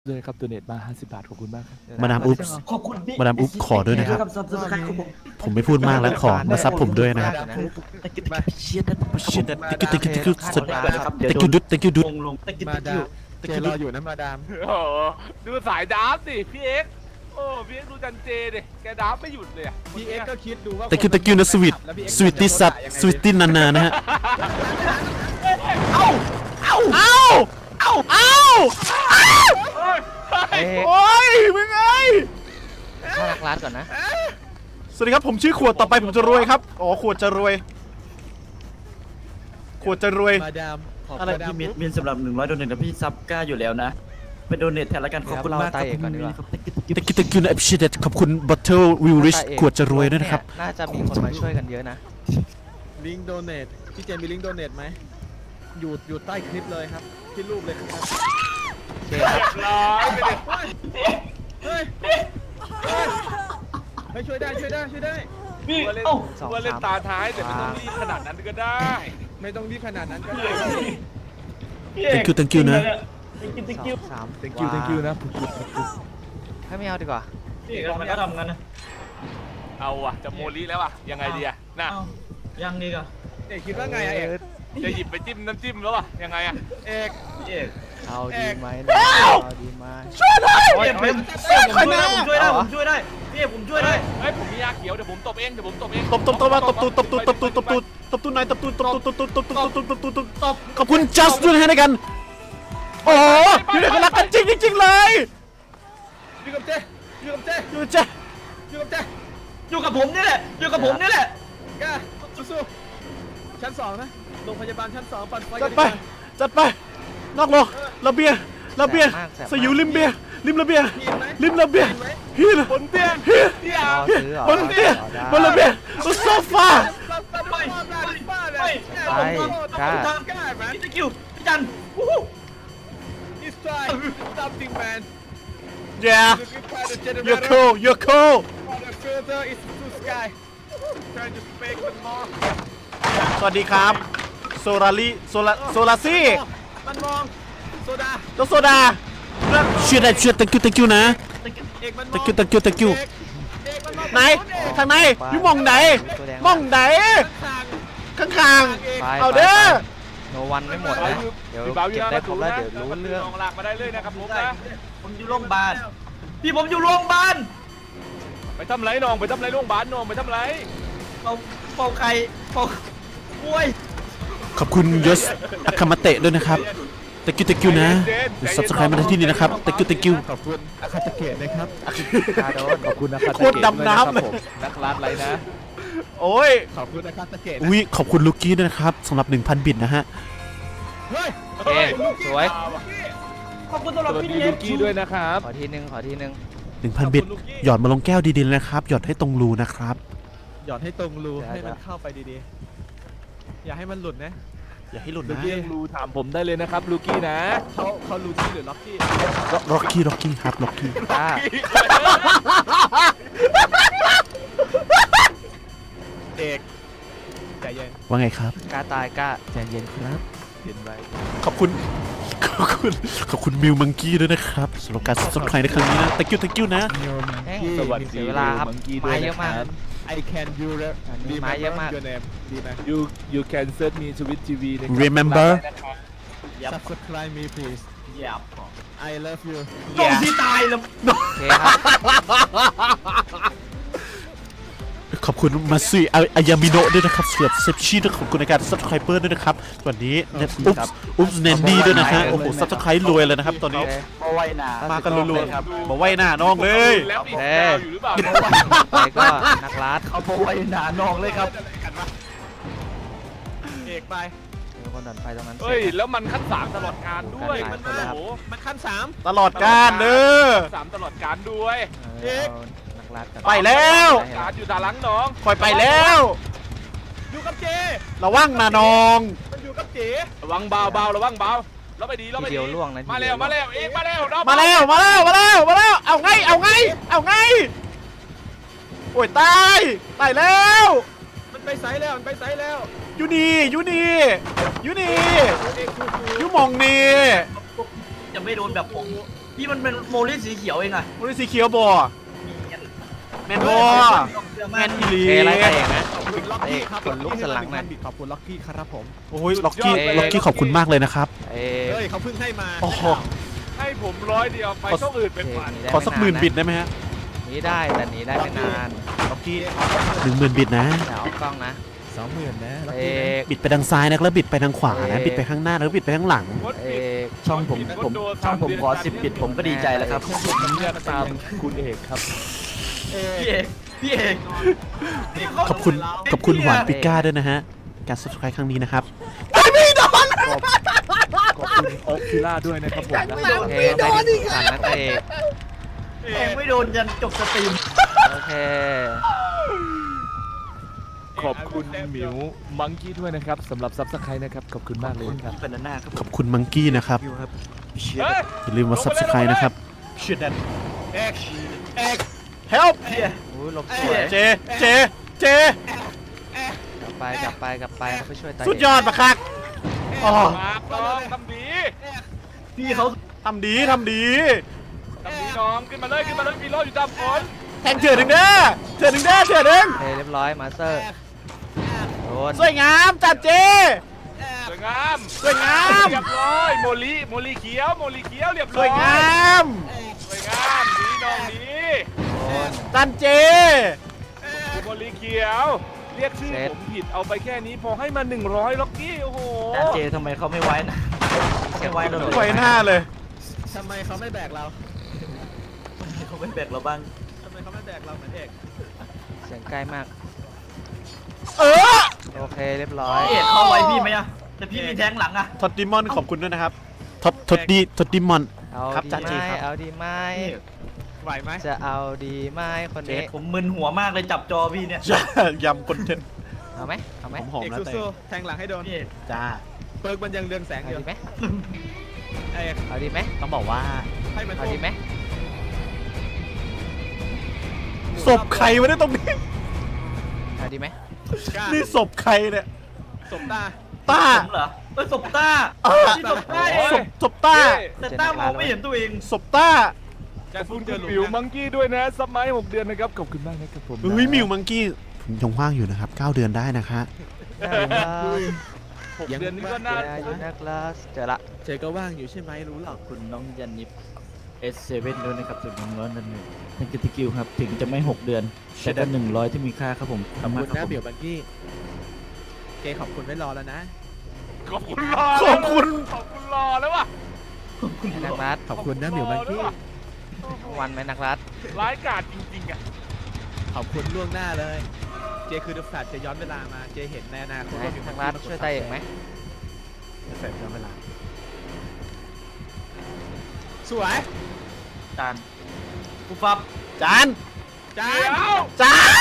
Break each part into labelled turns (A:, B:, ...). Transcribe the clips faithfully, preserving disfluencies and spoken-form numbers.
A: ด้วยครับตัวเน็ตมาห้าสิบบาทขอบคุณมากครับ
B: มาดามอุ๊บ
C: ขอบคุณพี่
B: มาดามอุ๊บขอด้วยนะครับ
C: ซับสไครต์ครับผม
B: ผมไม่พูดมากแล้วขอมาซับผมด้วยนะครับ
C: ตะกิดตะกิดเชียร์นะ
B: shit that thank you thank you thank you
C: ขอได้ครับเดี๋ยว
B: thank you dude thank you
C: ล
B: dude
C: งลงตะกิด
A: มา
C: ตะ
A: ดา
C: กิ
A: ม
C: ด
A: เจรออยู่นะมาดาม
D: โอ้โหดูสายดาร์ฟสิพี่เอ็กซ์โอ้พี่เอ็กซ์ดูจันเจดิแกดาร์ฟไม่หยุดเลยอะ
A: พี่เอ็กก็คิดดูว่า
B: thank you thank you นะสวีทสวีทตี้ซับสวีทตี้นานานะฮะ
C: เอ้าเอ้า
B: เอ้าเอ้าเอ้า
D: เฮ้ย
B: โอ้ยมึงไง
E: เข้ารักร้านก่อนนะ
B: สวัสดีครับผมชื่อขวดต่อไปผมจะรวยครับอ๋อขวดจะรวยขวดจะรวย
A: มาดามขอบ
B: อะไร
A: มาดาม
C: พี่เมียนเมียนสำหรับหนึ่งร้อยโดเนทนะพี่ซับกล้าอยู่แล้วนะไปโดเนทแทนละกันขอบคุณมากครับ
E: เราไต่ก่อนดีกว่า
C: ตะกิดตะกิด
B: thank you thank you นะ appreciate ขอบคุณ bottle will rich ขวดจะรวยด้วยนะครับ
E: น่าจะมีคนมาช่วยกันเยอะนะ
A: ลิงก์โดเนทพี่เจมมีลิงก์โดเนทไหมอยู่อยู่ใต้คลิปเลยครับที่รูปเลยครับ
D: เรียบร้อยไปดิ
A: เฮ้ยเฮ้ยเฮ้ยเฮ้ยช่วยได้ช่วยได้ช่วยได้
C: พี่
D: ว่าเล่น
C: เอ้า
D: ว่าเล่นตาท้ายแต่ไม่ต้องรีบขนาดนั้นก็ได้
A: ไม่ต้องรีบขนาดนั้นก็ได้
B: thank you thank you นะ
C: ตะกิดตะ
E: สอ
C: กิด
E: งสาม
A: thank you thank you นะ
E: ให้ไม่เอาดีกว่า
C: พี่เขาไม่ทำกันนะ
D: เอาอะจะโมลิแล้วอะยังไงดีอะน่ะ
C: เอ้ายังดีก่ะ
A: เอกคิดว่าไงอะเอก
D: จะหยิบไปจิ้มน้ำจิ้มแล้วอะยังไงอะ
A: เอก
C: พี่เอก
E: เอาดีไหมนะเอาดีไหม
C: โอ้ยผมช่วยได้ผมช่วยได้ผมช่วยได้พี่เอกผมช่วยได้
D: เฮ้ยผมมียาเขียวเดี๋ยวผมตบเองเดี๋ยวผมตบเอง
B: ตบตบตบมาตบตูดตบตูดตบตูดตบตูดตบตูดไหนตบตูดตบตูดตบตูดตบตูดตบตูดตบตูดตบตูดตบขอบคุณ just ด้วยนะฮะในกันโอ้โหอยู่ในกันรักกันจริงจริงๆเลย
A: อยู่กับเจอยู่กับเจ
B: อยู่จ้ะ
A: อยู่กับเจ
C: อยู่กับผมนี่แหละอยู่กับผมนี่แหละ
A: กล้าสู้ๆชั้นสองนะโรงพยาบาลชั้นสองปั่นไฟ
B: จัดไปจัดไปนอกโลกระเบียงระเบียงสยิวริมเบียงริมระเบียงริมระเบียงฮีน
D: บนเตียง
B: ฮีน
D: ที่
E: ร
D: อา
E: อซื้อเหรอบ
B: นเตียงบนระเบียงบนโซฟา
C: ไปไป
E: ไปกล้า
C: ตามกล้าแมนพี่คิวพี่จันวู้ฮู้
A: It's time something man
B: yeah
A: Look at the generator
B: you're cool you're cool
A: The filter is to sky Trying to fake the more
B: สวัสดีครับโซลารีโซลาโซลาซี่
A: มันมองโซดา
B: แล้วโซดาเชื่อได้เชื่อ thank you thank you นะ
A: เอกมันมอง
B: thank you thank you thank you
A: เอกเอกมันมอง
B: ไหนทางไหนอยู่มองไหนมองไหน
A: ทาง
B: ข้าง
E: ไป
B: ๆเอาเด้อ
E: โนวันไม่หมดนะเดี๋ยว
D: เบาอ
E: เก็
D: ยู่
E: บ
D: นะ
E: ได้ครบแล้วเดี๋ยวรู้เรื่อง
D: ลองหลักมาได้เลยนะครับผมนะ
C: ผมอยู่โรงพยาบาลพี่ผมอยู่โรงพยาบาล
D: ไปทำไรน้องไปทำไรโรงพยาบาลน้องไปทำไร
C: เป่าเป่าไข่เป่าป่วย
B: ขอบคุณยศอาคามาเตะด้วยนะครับ thank you thank you นะสับสไครต์มาที่นี่นะครับ thank you thank you
A: ขอบคุณอาคาตะเกตนะครับ
E: กาโดน
A: ขอบคุณอาคาตะเกต
B: โคตรดำน้ำเลย
A: นักรัดไรนะ
B: โอ้ย
A: ขอบคุณอาคาตะเกต
B: อุ้ยขอบคุณลูกี้ด้วยนะครับสำหรับ หนึ่งพัน บิตนะฮะ
A: เฮ้ย
E: โอเคสวย
C: ขอบคุณสำหรับ
A: สวัส
C: พี่
A: ดี
C: เลี้ย
A: ลู
C: ง
A: กี้ด้วยนะครับ
E: ขอทีนึงขอทีนึง
B: หนึ่งพัน บิตหยอดมาลงแก้วดีๆเลยนะครับหยอดให้ตรงรูนะครับ
A: หยอดให้ตรงรูให้มันเข้าไปดีๆอย่าให้มันหลุดนะ
B: อย่าให้หลุด
D: ลู
B: นะ
D: กี้รูถามผมได้เลยนะครับลูกี้นะ
A: เขาเขาลูกี้หรือล็อกกี้
B: ร็อกกี้ร็อกกี้ครับร็อกกี้
E: กล้า
A: เอกใจเย็น
B: ว่าไงครับ
E: กล้าตายกล้า
A: ใจเย็นครับเย็นไว้
B: ขอบคุณขอบคุณขอบคุณมิวมังกี้ด้วยนะครับสำหรับการซับสไครต์ในครั้งนี้นะ thank you thank you นะ
E: แห้ง
A: สวัสดี
E: เสียเวลาครับ
A: มังกี้ด้
E: ไม้
A: วย
E: เยอะมาก
A: นะครับ I can you
E: อันนี้
A: remember
E: ไม้เยอะมาก
A: your name ดีไหม
D: you you can search me Twitch ที วี นะครับ
B: remember
A: subscribe me please
C: หยับ
A: I love you
C: จงที่ตายแล้ว
E: โอเคครับ
B: ขอบคุณมาซุยอายามิโนะด้วยนะครับสำหรับเซฟชีด้วยขอบคุณในการซับสไครเปอร์ด้วยนะครับวันนี้เนี่ยอุ๊บอุ๊บเนนดี้ด้วยนะฮะโอ้โหซับสไครต์รวยเลยนะครับตอนนี้
C: มาไว้หนา
B: มากันรัวๆมาไหว้หน้าน้องเลย
D: แล้วอีกยาวอยู่หรือเปล่า
E: ไปก็นักรัด
C: เอามาไว้หนานองเลยครับ
A: เอกไป
E: มีคนดันไฟตรงนั้น
D: เฮ้ยแล้วมันขั้นสามตลอดการด้วย
E: มั
D: มัน
E: นมา
D: โอ้โห
A: มันขั้นสาม
B: ตลอดการเด้อ
D: สามตลอดการด้วย
E: เออเอานักรัดกัน
B: ไปแล้ว
D: การอยู่ตาหลังน้อง
B: คอยไปแล้ว
A: อยู่กับเจ
B: ระวังนะน้อง
A: มันอยู่กับเจ
D: ระวังเบาเบาระวังเบาแล้วไปดีแล้ว
E: ที
D: ไปดี
E: เดียวล่วงนะ
D: มาแล้วมาแล้วเองมาแล้วน้อง
B: มาแล้วมาแล้วมาแล้วมาแล้วเอาไงเอาไงเอาไงโอ้ยตายตายแล้ว
A: มันไปไซส์แล้วมันไปไซส์แล้ว
B: ยูนี่ยูนี่ยูนี่
A: เอกคูคู
B: ยูมองนี่
C: จะไม่โดนแบบผม
A: เ
C: พี่มันเป็นโมลี่สีเขียวเองอะ
B: มันเป็นสีเขียวบอแมนบอแมนอีหลี
E: เคไล่ใครเองนะ
A: ขอบคุณล็อกกี้ครับ
E: ขนลุกสันหลังหน่อย
A: ขอบคุณล็อกกี้ครับผม
B: โอ้ยล็อกกี้ล็อกกี้ขอบคุณมากเลยนะครับ
E: เอ้
A: เฮ้ยเขาเพิ่งให้มา
B: โอ้โห
D: ให้ผมร้อยเดียวไปช่องอื่นเป็นพัน
B: ขอสักหมื่นบิตได้ไหมฮะ
E: หนีได้แต่หนีได้ไม่นาน
B: ล็อกกี้หนึ่งหมื่นบิตนะ
E: เดี๋ยวเอากล้องนะ
A: สองหมื่นนะล็อก
E: เอ
A: กี้นะ
E: ก
B: บิดไปทางซ้ายนะแล้วบิดไปทางขวานะ
E: เอ๊ะ
B: บิดไปข้างหน้าแล้วบิดไปข้างหลัง
E: เอก
C: ช่องผมผมช่องผมขอสิบปิดผมก็ดีใจแล้วครับ
A: เลือกตามคุณเอกครับเอ
C: พี่เอกพี่เอก
B: ขอบคุณขอบคุณหวานปิก้าด้วยนะฮะการ subscribe ครั้งนี้นะครับ
A: ขอบคุณโอ๊คคิล่าด้วยนะครับผมนะ
E: โอเคได้ดิสันนะเอก
C: เอกไม่โดนยันจบสตรีม
E: โอเค
A: ขอบคุณหมิวมังกี้ด้วยนะครับสำหรับซับสไครต์นะครับขอบคุณมากเลยครับ
C: เป็นหน้าครับ
B: ขอบคุณมังกี้นะครับ
D: เฮ้ย
B: อย่าลืมมา subscribe นะครับ
A: เอกเอก
B: help
E: อุ้ยหลบสวย
B: เจเจเจ
E: กลับไปกลับไปกลับไปเขาไปช่วยตา
B: สุดยอดปะคักอ๋อ
D: มาน้องทำดี
C: พี่เขา
B: ทำดีทำดี
D: ทำดีน้องขึ้นมาเลยขึ้นมาเลยมีโล่อยู่ตามฝน
B: แทงเถื่อนหนึ่งเด้อเถื่อนหนึ่งเด้อเถื่อนหนึ่ง
E: โอเคเรียบร้อยมาสเตอร์โดน
B: สวยงามจัดเจ
D: สวยงาม
B: สวยงาม
D: เรียบร้อยโมลีโมลีเขียวโมลีเขียวเรียบ
B: ส
D: ร้อ
B: วย ยงาม
D: สวยงามดีน้องดี
E: โดน
B: จันเจ
D: โมลีเขียวเรียกชื่อ
E: เสร็จ
D: ผมผิดเอาไปแค่นี้พอให้มาหนึ่งร้อยล็อกกี้โอ้โห
C: แต่เจทำไมเขาไม่ไว้นะไม่ไว้เราเลย
B: ไว้หน้าเลย
A: ทำไมเขาไม่แบกเรา
C: เขาไม่แบกเราบ้าง
A: ทำไมเขาไม่แบกเราเหมือนเอก
E: เสียงใกล้มาก
B: เออ
E: โอเคเรียบร้อย
C: พี่เอกเข้าไว้พี่ไหมอะแต่พี่มีแทงหลังอะ
B: ทอดดิมอนขอบคุณด้วยนะครับทอดทอดดีทอดดิมอน
E: เอา
B: ครับ
E: ดี
B: จ่า
E: ไห
B: เจ
E: ม
B: ครับ
E: เอาดีไหม
A: ไหวไหม
E: จะเอาดีไหมคนนี้
C: ผมมึนหัวมากเลยจับจอพี่เนี่ย
B: ยำคอนเทนต์
E: เอาไหมเอาไหม
B: หอม
A: เอก
B: ๆนะแต่
A: สู้ๆแทงหลังให้โดน
C: พี่เอก
B: จ้า
A: เปิร์กมันยังเรืองแสง
E: เอา
A: อยู่
E: ดีไหม
A: เอก
E: เอาดีไหม
B: ต้องบอกว่า
A: ให้มัน
E: เอาดีไหม
B: ศพใครวะเนี่ยตรงนี้
E: เอาดีไหม
A: กล้า
B: นี่ศพใครเนี่ย
A: สบตา
B: ต้า
C: ผมเหรอเอ้ยศพต้า
B: เออ
C: พี่ศพต้า
B: ศพศพต้า
C: แต่ต้ามองไม่เห็นตัวเอง
B: ศพต้า
A: จะ
D: ขอบ
A: พู
D: คุ
A: ด
D: ณ
A: เจอหลุ
D: มิว
A: ม
D: มั
A: นะ
D: งกี้ด้วยนะซับไม้หกเดือนนะครับขอบคุณมากนะครับผม
B: เฮ้ยมิวมังกี้ผมยังว่างอยู่นะครับเก้าเดือนได้นะคะ
E: ได้ครับ
D: หกเดือนนี้ก็น่า
E: เจออยู่นักลาสเจอละ
A: เจก็ว่างอยู่ใช่ไหมรู้หร
C: ข
A: อ
C: อก บคุณน้องยันนิฟ เอส เซเว่น ด้วยนะครับสุดน้องร้อนนั่นเองเป็นกิตกิลครับ ถึงจะไม่หกเดือน แต่ก็หนึ่งร้อยที่มีค่าครับผม
A: ขอบ
C: ทำมา
A: คุณ
C: ค
A: นะ
C: รับผ
A: เบี่ย
C: ม
A: วบังกี้เจขอบคุณไว้รอแล้วนะ
D: ขอบคุณรอ
B: ขอบคุณ
D: ขอบคุณรอแล้วว่ะ
E: นักรัส
A: ขอบคุณนะเบี่ยวบังกี้
E: ทั้งวันไหมนักรัส
D: ร้ายกาจจริงๆอ่ะ
A: ขอบคุณล่วงหน้าเลย เจคือดูสัตว์จะย้อนเวลามา เจเห็นในอนาคต
E: ไหน
A: ว่ามี
E: นักรัสช่วยตาเอกไหม
B: เสร็จแล้วเวลา
A: สวย
C: จานปุ๊บปั๊บ
B: จาน
A: จ้า
D: เดี๋ยว
B: จาน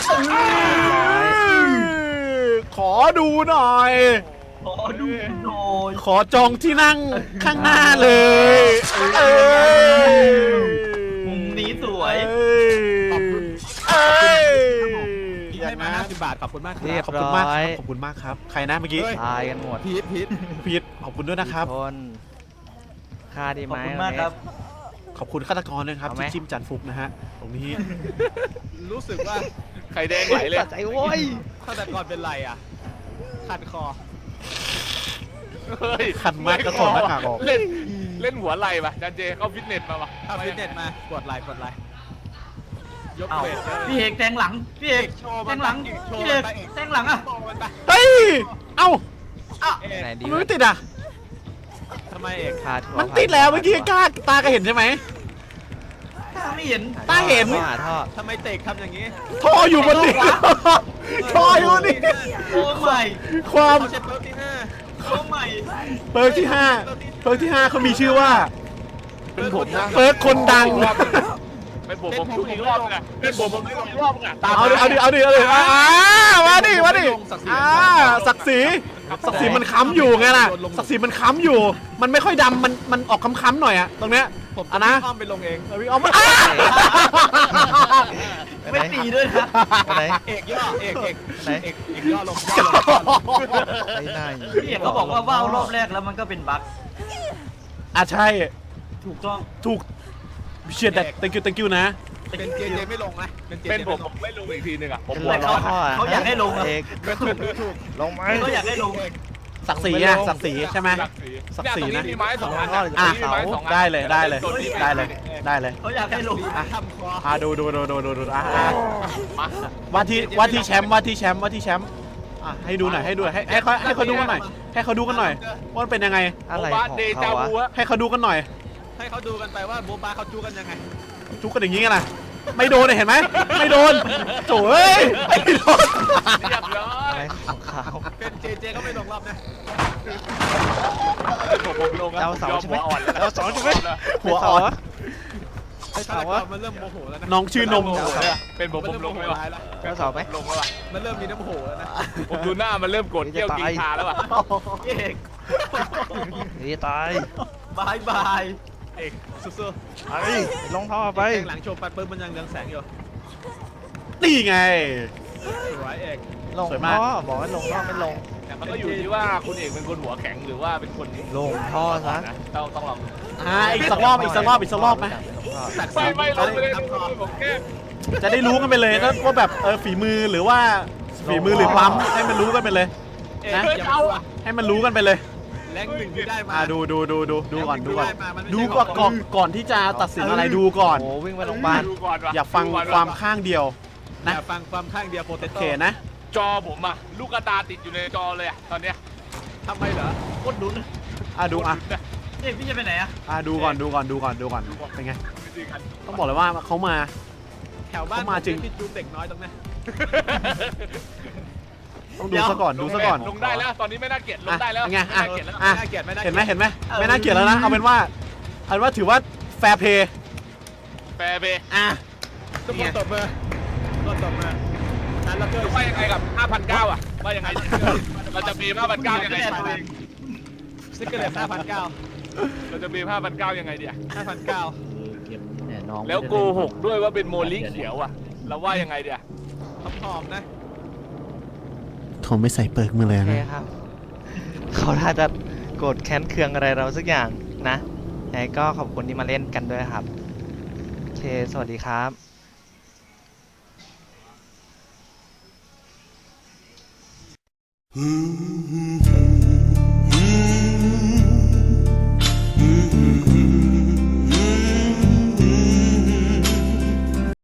B: ขอดูหน่อย
C: ขอดูหน่อย
B: ขอจองที่นั่งข้างหน้าเลยเอ้ย
C: มุมนี้สวย
B: เอ้ย
A: ขอบคุณ
B: เอ้ย
A: ที่ให้มาห้าสิบบาท ขอบคุณมากค
E: เรี
A: รั
E: ย
A: บบ
B: ขอบคุณมากครับขอบคุณมากครับ ใครนะเมื่อกี้
A: เฮ้ย
E: ตายกันหมด
A: พีทพีท
B: พีทขอบคุณด้วยนะครับ
E: ทุกคนค่าดี
C: ข
E: ไห
C: อบ
E: ม
C: คุณมากครับ
B: ขอบคุณฆาตกรด้วยนะครับ
E: เอาไหม
B: ที่จิ้มจันฟุกนะฮะ ตรงนี้
A: รู้สึกว่า
D: ไข่แดงไหลเลย
E: สะใจโว้ย
A: ฆาตกรเป็นไรอ่ะขัดคอ
D: เฮ้ย
B: คันมากก็ถอดหน้ากากออก
D: เล่นเล่นหัวไหล่ป่ะจันเจเข้าฟิตเนสมาป่ะ
A: เอาฟิตเนสมากดไลค์กดไลค์ยก
C: เอ้า
A: เวทเลย
C: พี่เอกแทงหลัง พี่เอก
A: โชว์
C: แท
A: มัน
C: งหลัง
A: ไปโชว์
C: พี่เอก
A: มันไป
C: แทงหลังอะ
A: โชว์มันไป
B: เฮ้ย เอ้า
A: เอก
E: ไหนดี
B: ทำไม
E: วะ
B: ไม่ติดอ่ะ
A: ทำไมเอก
E: ค่าทัวร์
B: มันติดแล้วเมื่อกี้กล้าตาก็เห็นใช่ไหม
C: ตาไม่เห็น
B: ตาเห็น
E: ท่อหาท่อ
A: ทำไมเตกทำอย่างนี้
B: ท่ออยู่บนนี้ท่ออยู่บนนี้
C: โอ้ใหม่
B: ความ
A: เขาใช้เปิร์กที่ห้า
C: โอ้ใหม่
B: เปิร์กที่ห้าเปิร์กที่ห้าเขามีชื่อว่า
D: เป็นผมนะ
B: เปิร์กคนดัง
D: เป็นผมผมทุกอีกรอบนึงอ่ะเป็นผมผมทุกอีกรอบนึงอ่ะตาม
B: เอาดิ เอาดิ เอาดิ เอาดิอ่ามาดิ มาดิอ่าศักดิ์ศรีศักดิ์ศรีมันค้ำอยู่ไงล่ะ ศักดิ์ศรีมันค้ำอยู่ มันไม่ค่อยดำ มัน มันออกค้ำๆหน่อยอะตรงเนี้ย
A: ผม
B: อ่ะนะ
A: อ้อมไปลงเอง
B: เอาวิ่งเอามาอ้า
C: ไม่ตีด้วยนะ
E: ไปไหน
A: เอกย่อเอกเอก
E: ไหน
A: เอกเอกย่อลงย่อลงย่อลง
E: ไปไหน
C: พี่เอกเขาบอกว่าว่าวรอบแรกแล้วมันก็เป็นบั๊ก
B: อ่ะใช่
C: ถถูกต้อง
B: ถูกเชียร์แต่ thank you thank you นะ
A: เป็นเจเจไม่ลงนะเป็นเจ
D: เป็น
A: เจ
D: ผม
A: ไล
D: ผมไม่ลงอีกทีหนึงอ่ะผม
E: เป็น
D: หัว
E: ไร
D: ร้อน
E: ข้อ
C: เขาอยากให้ลงอะ
E: เอก
A: ไม่ถูกไม่ถูก
E: ลงไหม
C: เขาอยากให้ลง
B: ศักดิ์ศรีอะศักดิ์ศรีใช่ไหม
D: ศักดิ์ศรี
B: ศักดิ์ศรี
D: เนี่ยตรง
B: นะ
D: นี้มีไม้สองอัน
E: อ่ะ
D: ตรงนี้มีไม้สองอัน
B: ได้เลยได้เลย
D: ตัวนี้
B: ได้เลยได้เลย
C: เขาอยากให้ลง
A: ทำคอ
B: อ่ะดูดูดูดูดูดูอ่ะอ่ะ
D: มา
B: ว่าที่ว่าที่แชมป์ว่าที่แชมป์ว่าที่แชมป์อ่ะให้ดูหน่อยให้ดูหน่อยให้ให้เขาให้เขาดูกันหน่อยให้เขาดูกันหน่อยว่ามันเป็นยังไง
E: อะไร
D: โบา
E: ของ
D: เดจา
E: เขาวะ
D: วูอะ
B: ให้เขาดูกันหน่อย
A: ให้เขาดูกันไปว่าโบบาเขาจู้กันยังไง
B: ทุกคนอย่างนี้กันนะไม่โดนเลยเห็นไหมไม่โดนโถ่เอ้ยไม่โดน
D: เรียบร้อ
E: อะ
D: ย
E: ไรของเขา
A: เป็นเจเจก็ไม่ลงรอบนะ
D: ผมผมลงแล้ว
E: ดาวเสาร์ใช่ไหม
D: ผมยอหัวอ่อนแล้ว
E: ดาวเสาร์ใช่ไหม
B: หัวอ่อน
E: ไอ้
A: ฆา
E: เสา
A: ต
E: วะ
A: กรมันเริ่มโมโหแล้วนะ
B: น้องชื่อนม
D: โโหเลยอะเป็นผมผมลงไหมวะ
A: แล้ว
E: ดาวเสาร์ไหม
D: ลงแล้ววะ
A: มันเริ่มมีน้ำโหแล้วนะ
D: ผมดูหน้ามันเริ่มโกรธเกรี้ยวกินชาแล้วว่ะ
C: เอก
E: เฮ้ยตาย
C: บายบาย
A: เอกสู้
E: ไอ้ลงท่อ
A: ๆ
E: ไป
A: แข่งหลังโชว์ไปปุ๊บมันยังเรืองแสงอยู่
B: นี่ไง
A: สวยเอก
E: ลง
B: สวยมาก
E: ท่อบอกให้ลงท่อไม่ลง
D: แต่มันก็อยู่ที่ว่าคุณเอกเป็นคนหัวแข็งหรือว่าเป็นคน
E: ลงท่อซะ
D: นะต้องต้องลอง
B: อ่าอีกสักรอบอีกสักรอบอีกสักรอบไหม
A: ตัด
D: ไม่ไม่ลงไปเลย
A: ทำคอ
D: ผมแค่
B: จะได้รู้กันไปเลยนะว่าแบบเออฝีมือหรือว่าฝีมือหรือปั๊มให้มันรู้กันไปเลย
A: เอก
B: นะ
A: อย่าเอาอะ
B: ให้มันรู้กันไปเลย
A: แรงหนึ่งที่ได้มา
B: อ่าดูดูดูดูดูก่อนดูก่อน
A: แรงหงที่ไมามันไม่
B: ดู
A: ใช่
B: ก่อน
A: ข
B: ก่อ
A: อน ง
B: ก่อนที่จะตัดสินอะไรดูก่อน
E: โอ้วิ่งไปโรงพยาบาล
D: ดูก่อนว่ะ
B: อย่าฟัง
D: ดูก่อน
B: ความข้างเดียว นะ
A: อย่าฟังความข้างเดียวโปเต
B: โอ
A: โต้
B: เคนะ
D: จอผมอะลูกกระตาติดอยู่ในจอเลยอะตอนเนี้ย
A: ทำไมเหรอ
C: โคตรลุ้น
B: อ่ะดูอ่ะ
C: เอกพี่จะไปไหนอะ
B: อ่ะดูก่อนดูก่อนดูก่อนดูก่อนเป็นไงต้องบอกเลยว่าเขามา
A: แถวบ้าน
B: เข้ามาจริง
A: พี่จูบเด็กน้อยตรงนี้
B: ต้องดูซะก่อนดูซะก่อน
D: ลงได้แล้วตอนนี้ไม่น่าเกลียดลงได้แล้ว
B: อ่ะไง
D: ไม่
B: อ่ะ
D: น่าเกลียดแล้ว
B: อ่ะ
A: น่าเกลียดไหมน่า
B: เห็นไหม
A: กลียด
B: เห็นไหมไม่น่าเกลียดแล้วนะเอาเป็นว่าเอาเป็นว่าถือว่าแฟร์เพย์
D: แฟร์เบย์
B: อ่ะ
A: ทุกคนตบมือทุกคนตบมือนั้นแล้วก็
D: ว่ายังไงกับ ห้าพันเก้า อ่ะว่ายังไงเราจะมี ห้าพันเก้า ยังไง
A: ซิกเกอร์เลสห้าพันเก้า
D: เราจะมี ห้าพันเก้า ยังไงเดีย
A: ห้าพันเก้า
C: เก็บแน่น้อง
D: แล้วโกหกด้วยว่าเป็นโมลิเขียวอ่ะเราว่ายังไงเดีย
A: หอมๆนะ
B: เขาไม่ใส่เปิร์กมือเลย
E: โอเค
B: นะ
E: ครับ เขาน่าจะโกรธแค้นเคืองอะไรเราสักอย่างนะยังไงก็ขอบคุณที่มาเล่นกันด้วยครับ โอเค สวัสดีครับ